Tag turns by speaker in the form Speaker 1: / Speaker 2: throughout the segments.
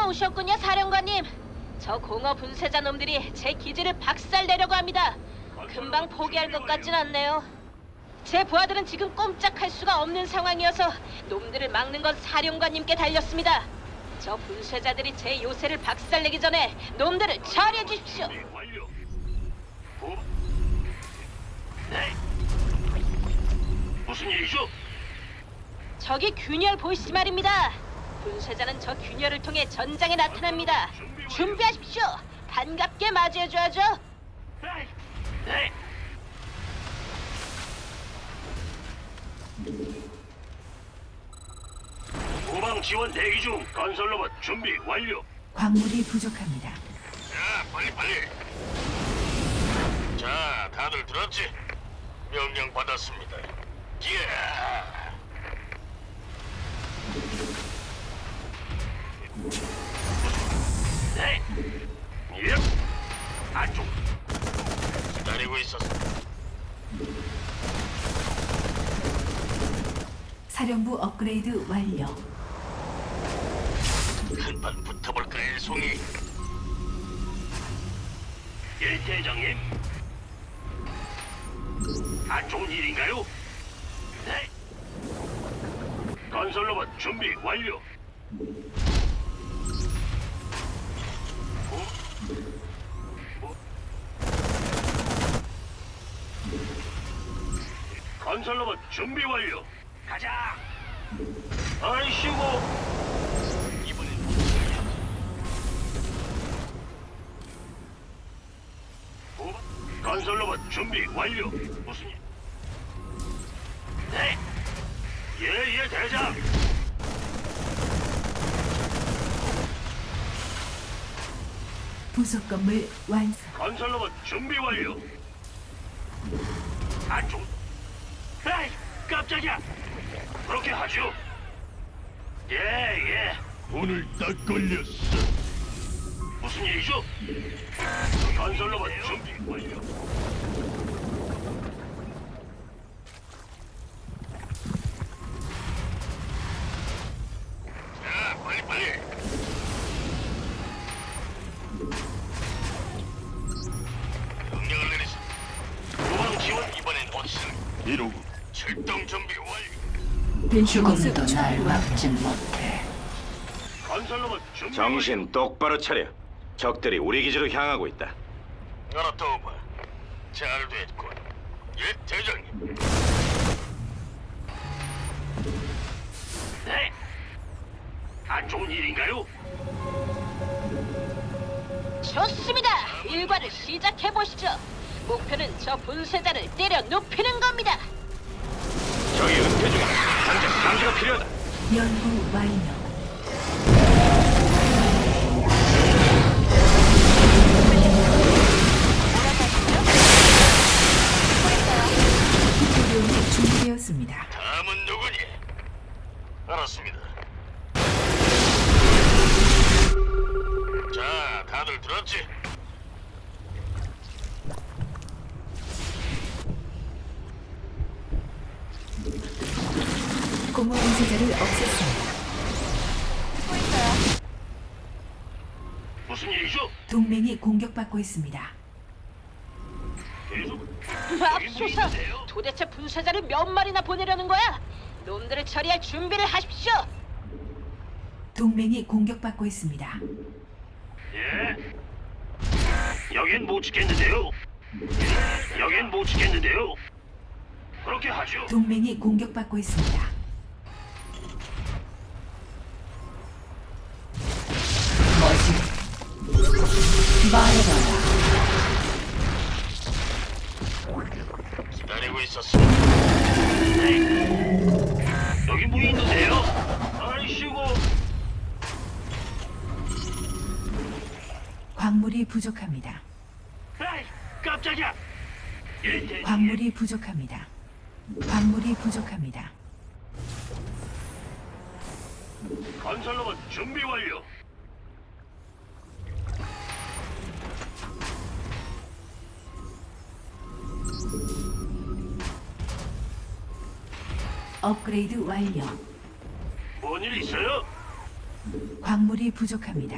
Speaker 1: 오셨군요, 사령관님. 저 공허 분쇄자 놈들이 제 기지를 박살내려고 합니다. 금방 포기할 것 같진 않네요. 제 부하들은 지금 꼼짝할 수가 없는 상황이어서 놈들을 막는 건 사령관님께 달렸습니다. 저 분쇄자들이 제 요새를 박살내기 전에 놈들을 처리해 주십시오.
Speaker 2: 준비 완료. 네. 무슨 일이죠?
Speaker 1: 저기 균열 보이시 말입니다. 분쇄자는 저 균열을 통해 전장에 나타납니다. 준비하십시오. 반갑게 맞이해줘야죠.
Speaker 2: 네. 네. 후방 지원 대기 중. 건설 로봇 준비 완료.
Speaker 3: 광물이 부족합니다.
Speaker 2: 자, 빨리. 자, 다들 들었지? 명령 받았습니다. 예. 네. 예. 안쪽. 기다리고 있었어.
Speaker 3: 사령부 업그레이드 완료.
Speaker 2: 한판 붙어볼까, 일송이? 예, 대장님. 안 좋은 일인가요? 네. 건설 로봇 준비 완료. 건설 로봇 준비 완료. 가자. 아이씨고. 이번엔 건설 로봇 준비 완료. 무슨 일? 네. 예, 대장.
Speaker 3: 부속 건물 완성.
Speaker 2: 건설 로봇 준비 완료. 안쪽. 에이, 깜짝이야. 그렇게 하죠. 예.
Speaker 4: 오늘 딱 걸렸어.
Speaker 2: 무슨 일이죠? 건설 로봇 준비 완료. 자, 빨리. 명령을 내리시. 후방 지원 이번엔 어디서?
Speaker 4: 이러고
Speaker 2: 출동 준비 완료.
Speaker 3: 죽음도 날 막지 못해.
Speaker 2: 건설 로봇 준비
Speaker 5: 정신 똑바로 차려. 적들이 우리 기지로 향하고 있다.
Speaker 2: 알았다오바. 잘 됐군. 예, 대장님. 네. 안 좋은 일인가요?
Speaker 1: 좋습니다. 일과를 시작해 보시죠. 목표는 저 분쇄자를 때려 눕히는 겁니다.
Speaker 5: 적이 은폐 중이다. 당장 감지가 필요하다.
Speaker 3: 연구 완료. 기초료이 준비되었습니다.
Speaker 2: 다음은 누구니? 알았습니다. 자, 다들 들었지?
Speaker 3: 공허 분쇄자를 없앴습니다.
Speaker 2: 무슨 일이죠?
Speaker 3: 동맹이 공격받고 있습니다.
Speaker 2: 계속
Speaker 1: 맙소사! 도대체 분쇄자를 몇 마리나 보내려는 거야? 놈들을 처리할 준비를 하십시오.
Speaker 3: 동맹이 공격받고 있습니다.
Speaker 2: 예. 여긴 못 지켰는데요. 여긴 못 지켰는데요. 그렇게 하죠.
Speaker 3: 동맹이 공격받고 있습니다.
Speaker 2: 기다리고 있었어. 네. 여기 뭐 있는데요? 아이씨고.
Speaker 3: 광물이 부족합니다.
Speaker 2: 에이, 깜짝이야. 예, 대장님.
Speaker 3: 광물이 부족합니다. 광물이 부족합니다.
Speaker 2: 건설 로봇 준비 완료.
Speaker 3: 업그레이드 완료.
Speaker 2: 뭔 일 있어요?
Speaker 3: 광물이 부족합니다.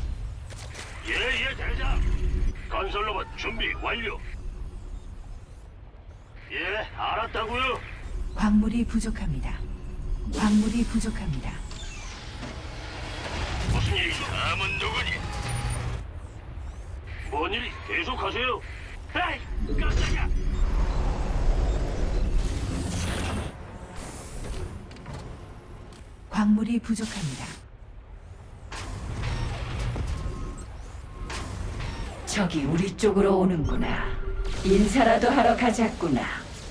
Speaker 2: 예예 대장. 건설로봇 준비 완료. 예, 알았다고요.
Speaker 3: 광물이 부족합니다. 광물이 부족합니다.
Speaker 2: 무슨 일이죠?
Speaker 5: 다음은 누구니?
Speaker 2: 뭔 일이? 계속하세요. 에이, 깜짝이야.
Speaker 3: 광물이 부족합니다.
Speaker 6: 적이 우리 쪽으로 오는구나. 인사라도 하러 가자꾸나.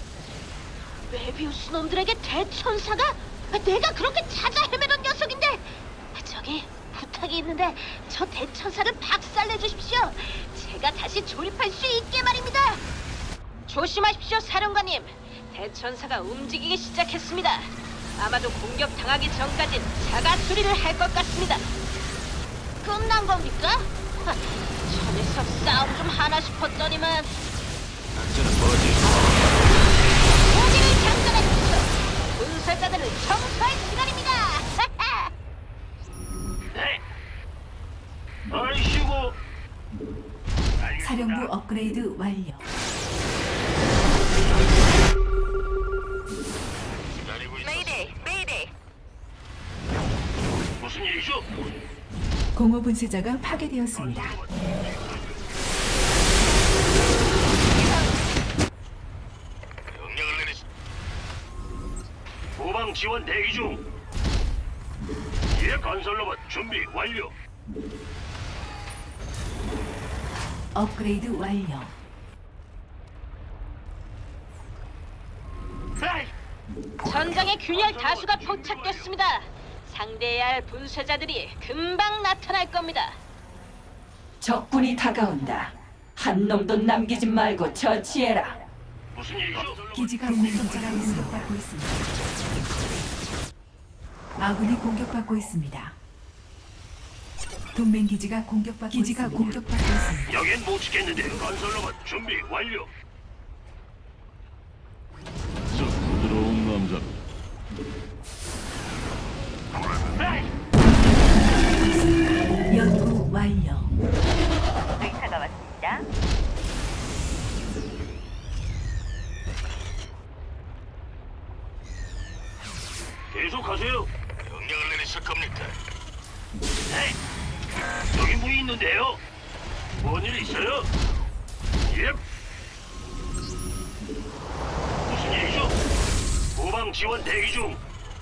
Speaker 1: 메비우스 놈들에게 대천사가? 내가 그렇게 찾아 헤매던 녀석인데. 저기 부탁이 있는데 저 대천사를 박살내 주십시오. 제가 다시 조립할 수 있게 말입니다. 조심하십시오, 사령관님. 대천사가 움직이기 시작했습니다. 아마도 공격 당하기 전까진 자가 수리를 할 것 같습니다. 끝난 겁니까? 저 녀석 싸움 좀 하나 싶었더니만.
Speaker 5: 작전은 뭐지?
Speaker 1: 무기를 장전하십시오. 분쇄자들을 청소할 시간입니다.
Speaker 2: 네. 아이씨고.
Speaker 3: 사령부 업그레이드 완료.
Speaker 5: 기다리고 있어.
Speaker 2: 무슨 일이죠?
Speaker 3: 공허 분쇄자가 파괴되었습니다.
Speaker 5: 명령을 내리시.
Speaker 2: 후방 지원 대기 중. 예, 건설로봇 준비 완료.
Speaker 3: 업그레이드 완료.
Speaker 2: 에이,
Speaker 1: 전장에 균열 다수가 포착됐습니다. 상대해야 할 분쇄자들이 금방 나타날 겁니다.
Speaker 6: 적군이 다가온다. 한 놈도 남기지 말고 처치해라.
Speaker 2: 무슨 일이죠?
Speaker 3: 기지가 공격받고 있습니다. 아군이 공격받고 있습니다. 동맹 기지가 공격받고 있습니다.
Speaker 2: 여긴 못 지켰는데 건설로봇 준비 완료.
Speaker 4: 저 부드러운 남자.
Speaker 2: 에이,
Speaker 3: 연구 완료.
Speaker 7: 의사가 왔습니다.
Speaker 2: 계속하세요.
Speaker 5: 명령을 내리실 겁니까?
Speaker 2: 에이, 여기 뭐 있는데요? 뭔 일 있어요? 예. 무슨 일이죠? 후방 지원 대기 중.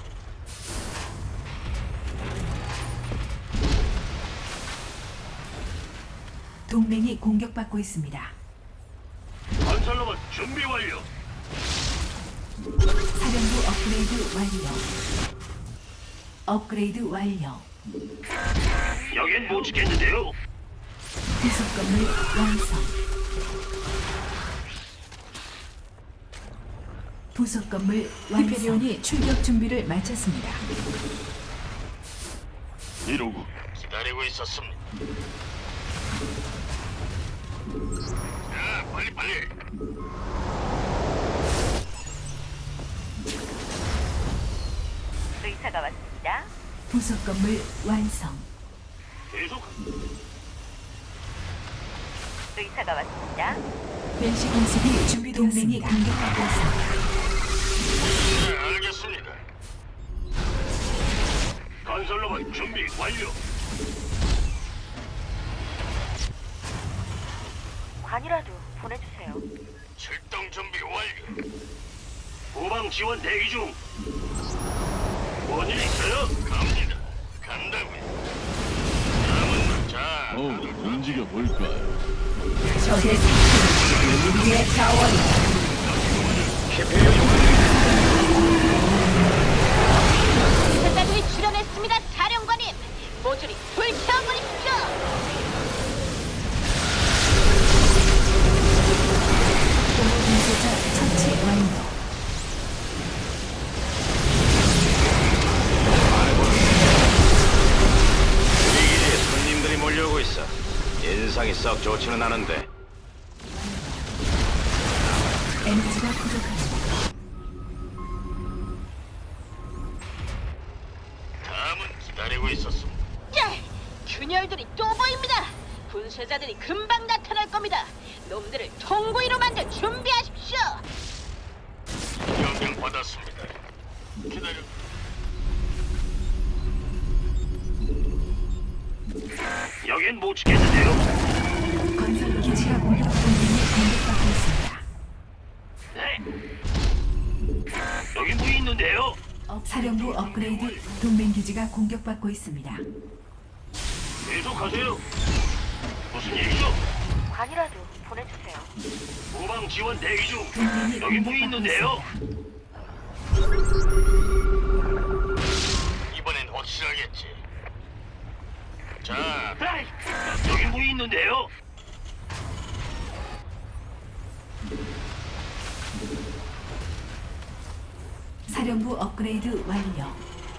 Speaker 3: 동맹이 공격받고 있습니다.
Speaker 2: 건설로봇 준비 완료.
Speaker 3: 사령부 업그레이드 완료. 업그레이드 완료.
Speaker 2: 여긴 못 지켰는데요.
Speaker 3: 부속 건물 완성. 부속 건물 완성. 히페리온이 출격 준비를 마쳤습니다.
Speaker 4: 이러고
Speaker 5: 기다리고 있었습니다. 자, 빨리 빨리.
Speaker 7: 의사가 왔습니다.
Speaker 3: 부속 건물 완성.
Speaker 2: 계속.
Speaker 7: 의사가 왔습니다.
Speaker 3: 벤시 공습이 준비되었습니다. 동맹이 공격받고 있습니다.
Speaker 5: 네, 알겠습니다.
Speaker 2: 건설로봇 준비 완료.
Speaker 7: 관이라도 보내주세요.
Speaker 5: 출동 준비 완료.
Speaker 2: 후방 지원 대기 중. 뭔 일 있어요?
Speaker 5: 갑니다. 간다고요. 다음은 자.
Speaker 4: 움직여 볼까요?
Speaker 6: 적의 생존은 우리의 자원이다.
Speaker 1: 분쇄자들이 출연했습니다, 사령관님. 모조리 불태워버리십시오.
Speaker 3: 공허 분쇄자 처치 완료.
Speaker 5: 우리 기지에 손님들이 몰려오고 있어. 인상이 썩 좋지는 않은데.
Speaker 3: 에너지가 부족합니다.
Speaker 5: 다음은 기다리고 있었습니다.
Speaker 1: 자, 분쇄자들이 금방 나타날 겁니다. 놈들을 통구이로 만들 준비하십시오.
Speaker 2: 명령 받았습니다. 기다려. 여긴 못 지켰는데요.
Speaker 3: 건설 기지가 공격받고 있습니다.
Speaker 2: 네. 여기 뭐 있는데요?
Speaker 3: 사령부 업그레이드 동맹 기지가 공격받고 있습니다.
Speaker 2: 계속하세요. 무슨 일이죠?
Speaker 7: 관이라도 보내주세요.
Speaker 2: 후방 지원 대기 중.
Speaker 3: 동맹이
Speaker 2: 여기 뭐
Speaker 3: 공격받고
Speaker 2: 있는데요?
Speaker 3: 있습니다.
Speaker 2: 이번엔 확실하겠지. 자, 여기 뭐 있는데요?
Speaker 3: 사령부 업그레이드 완료.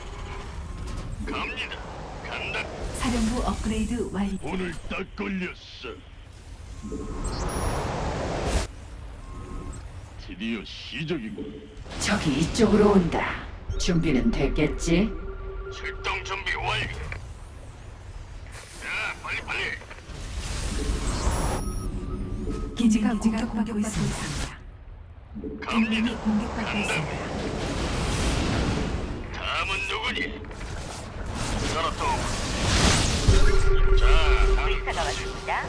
Speaker 2: 갑니다. 간다.
Speaker 3: 사령부 업그레이드 완료.
Speaker 4: 오늘 딱 걸렸어. 드디어 시작이군.
Speaker 6: 적이 이쪽으로 온다. 준비는 됐겠지?
Speaker 2: 출동 준비 완료. 자, 빨리.
Speaker 3: 기지가 공격받고 있습니다. 동맹이 공격받고 있습니다.
Speaker 2: 다음은 누구니? 알았어. 자,
Speaker 7: 의사가 왔습니다.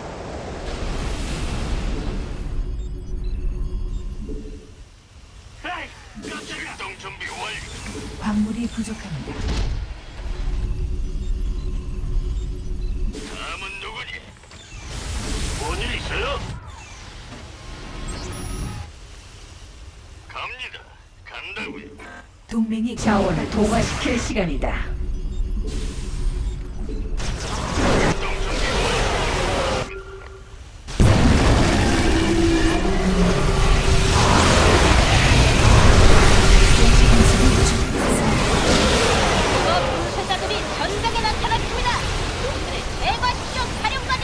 Speaker 2: 출동 준비 완료.
Speaker 3: 광물이 부족합니다.
Speaker 2: 다음은 누구니? 뭔일 있어요? 갑니다. 간다고요.
Speaker 3: 동맹이
Speaker 6: 자원을 동화시킬 시간이다.
Speaker 2: 출동 준비 완료.
Speaker 1: 공허 분쇄자들이 전장에 나타났습니다. 놈들을 제거하십시오, 사령관님.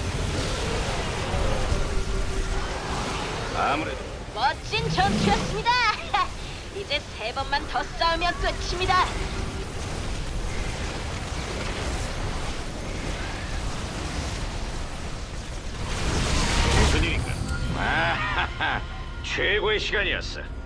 Speaker 5: 아무래도
Speaker 1: 멋진 전투였습니다. 이제 3번만 더 싸우면 끝입니다.
Speaker 5: 무슨 일인가? 아하하, 최고의 시간이었어.